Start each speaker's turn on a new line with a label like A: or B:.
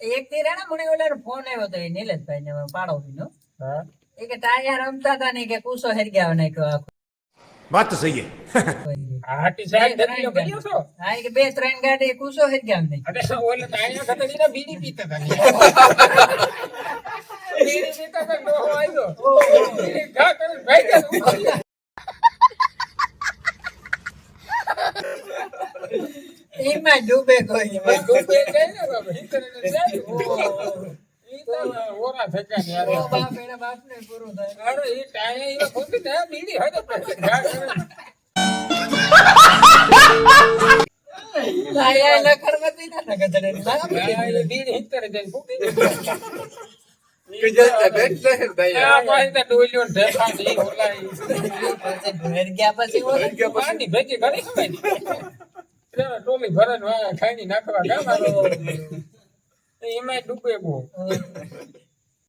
A: એક થી રેના મને ઓલા ફોન આવ્યો તો એ નીલેશભાઈ ને પાડોશીનો
B: હા
A: એ કે ટાયા રમતા હતા ને કે કુસો હેરગ્યા ને કે
C: बात तो सही है
B: હાટી સાહેબ દેખી પડ્યો છો
A: હા એ કે બે ત્રણ ગાડી કુસો હેરગ્યા ને
B: અરે ઓલે તાયા ખતડીના બીડી પીતા હતા બીડી પીતા તો ડોહો આવ્યો બીડી ઘા કરે ભાઈ કે
A: એમાં ડૂબે કોઈ
B: ડૂબે જાય ને બાબા હિતરે જાય ઈ તો ઓરા થકા ને યાર
A: બાપ એના બાપ ને પૂરું થાય
B: અરે ઈ તાયા ઈ ખોટી ને બીડી હોય તો ઘા કરે
A: ટાયા લખડવતી ના ગધડે
B: તાયા બીડી હિતરે જઈને ફૂકી
A: હેરગ્યા પછી
B: પાણી ભેગી કરી ખવાય ટોલી ભરણ ખાઈ નાખવા ગામ એમાં ડૂબે બહુ